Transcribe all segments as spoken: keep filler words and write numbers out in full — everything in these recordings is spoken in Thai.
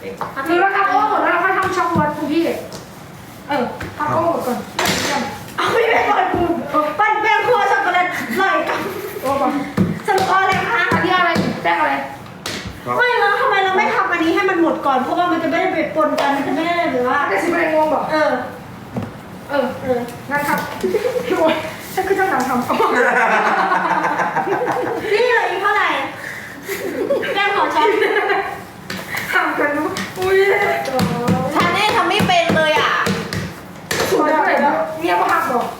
หรือเราทำโอ้หมดแล้วเราค่อยทำช็อกโกแลตคุณพี่เออทำโอ้หมดก่อนเอาไม่เป็นไรคุณปั้นแป้งคั่วช็อกโกแลตลอยกันโอ้ป่ะสรุปอะไรคะอันนี้อะไรแป้งอะไรไม่แล้วทำไมเราไม่ทำอันนี้ให้มันหมดก่อนเพราะว่ามันจะไม่ได้ไปปนกันมันจะไม่ได้หรือว่าจะสิบอะไรงงบอกเออเออเอองั้นครับพี่บอยฉันคือเจ้าหนังทำนี่เลยอีกเท่าไหร่แป้งของฉันทำกันรู้อุ้ยชาแนลทำไม่เป็นเลยอ่ะสวยเท่าไหร่แล้วเนี่ยพ่อหักบอก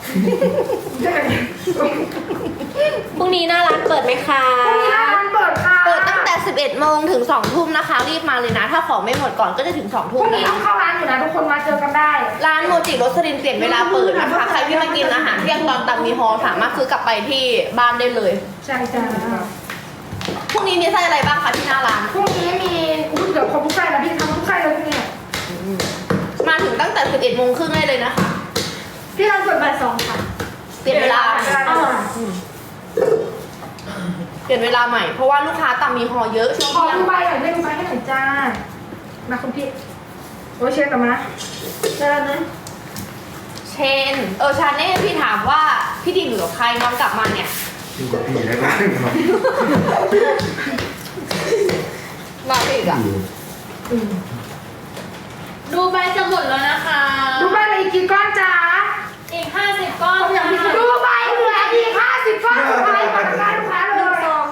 พรุ่งนี้หน้าร้านเปิดไหมคะพรุ่งนี้หน้าร้านเปิดค่ะเปิดตั้งแต่สิบเอ็ดโมงถึงสองทุ่มนะคะรีบมาเลยนะถ้าของไม่หมดก่อนก็จะถึงสองทุ่มพรุ่งนี้ต้องเข้าร้านอยู่นะทุกคนมาเจอกันได้ร้านโมจิโรสลินเปลี่ยนเวลาเปิดนะคะใครที่มากินอาหารเที่ยงตอนตังมีฮอสามารถซื้อกลับไปที่บ้านได้เลยใช่จ้าพรุ่งนี้มีไส้อะไรบ้างคะที่หน้าร้านพรุ่งนี้มีอุ้ยเดี๋ยวครบทุกไส้นะพี่ทำทุกไส้เลยพรุ่งนี้มาถึงตั้งแต่สิบเอ็ดโมงครึ่งได้เลยนะคะพี่เราเปิดบ่ายสองค่ะเปลี่ยนเวลาเปลี่ยนเวลาใหม่เพราะว่าลูกค้าตามมีฮอเยอะช่วงขอเที่ยงดูใบหน่อยได้ดูใบให้หน่อยจ้ามาคุณพี่โอ้ยเชฟกลับมาเจอนะเชนเออชาแนลพี่ถามว่าพี่ดิงอยู่กับใครน้องกลับมาเนี่ยอยู่กับพี่แล้วก็มาอีกอ่ะดูใบจะหมดแล้วนะคะดูใบเหลืออีกกี่ก้อนจ้าอีกห้าสิบก้อนดูใบเหลืออีกห้าสิบก้อนสุดท้ายก่อนได้ลูกค้าเลย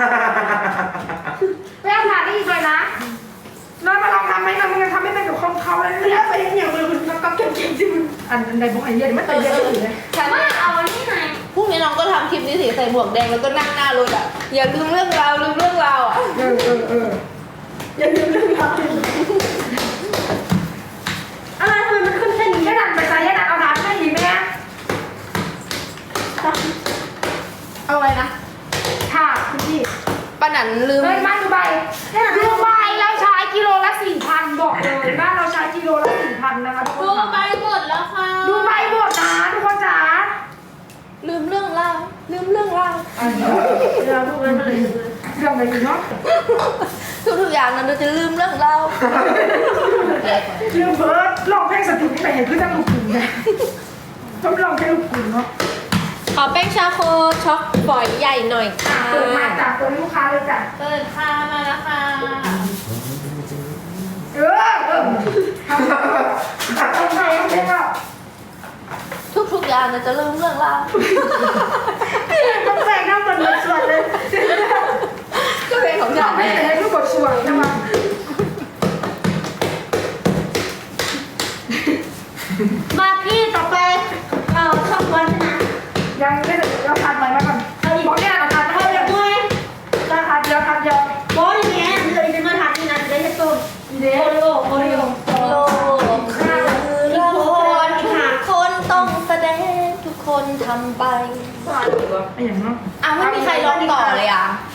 ไม่เอาผ่านได้อีกเลยนะน้อยมาลองทำไหมน้อยมันทำไม่เป็นกับคนเขาแล้วเนี่ยไปอย่างเดียวมันก็เก่งๆที่มันอันใดพวกไอ้เหี้ยไม่เคยเยอะอยู่เลยฉันว่าเอาอันนี้ไงพรุ่งนี้น้องก็ทำคลิปนี้สิใส่หมวกแดงแล้วก็นั่งหน้ารถอ่ะอย่าลืมเรื่องราวลืมเรื่องราวอ่ะเออเออเอออย่าลืมเรื่องราวอะไรทำไมมันขึ้นแค่นี้แค่นั้นไปใจแค่นั้นเอาน้ำให้อีกไหมเอาอะไรนะค่ะคุณพี่ป้าหนันลืมเฮ้ยบ้านดูใบดูใบเราใช้กิโลละสี่พันบอกเลยบ้านเราใช้กิโลละสี่พันนะคะทุกคนดูใบหมดแล้วค่ะดูใบหมดนะทุกคนจ๋าลืมเรื่องราวลืมเรื่องราวเราดูเลยเลยเรื่องอะไรอยู่เนาะทุกๆอย่างนั้นเราจะลืมเรื่องราวลืมเบิร์ดลองเพลงสติที่ไหนเห็นเพื่อนลูกขุนไงต้องลองเพลงลูกขุนเนาะขอแป้งชาโคช็อกฝอยใหญ่หน่อยค่ะเปิดมาจากตัวลูกค้าเลยจ้ะเปิดค่ะมาแล้วค่ะเออเออทำทำไงเพลงอ่ะทุกๆอย่างเราจะลืมเรื่องราวต้องแบ่งหน้าบทบทส่วนเลยก็เพลงของฉันไม่แต่ให้ทุกบทส่วนใช่ไหมมาพี่ต่อไปเอ่อช่องวันนะยังไม่ได้เราทานไหมมาก่อนบอกเนี่ยเราทานเขาจะด้วยเราทานเยอะทานเยอะโอ้ยอย่างเงี้ยเลยจะมาทานที่นั่นได้จะต้มเดี๋ยวโอริโอโอริโอโลกคือละครทุกคนต้องแสดงทุกคนทำไปอะไรอย่างเนาะอ่ะไม่มีใครร้องต่อเลยอ่ะ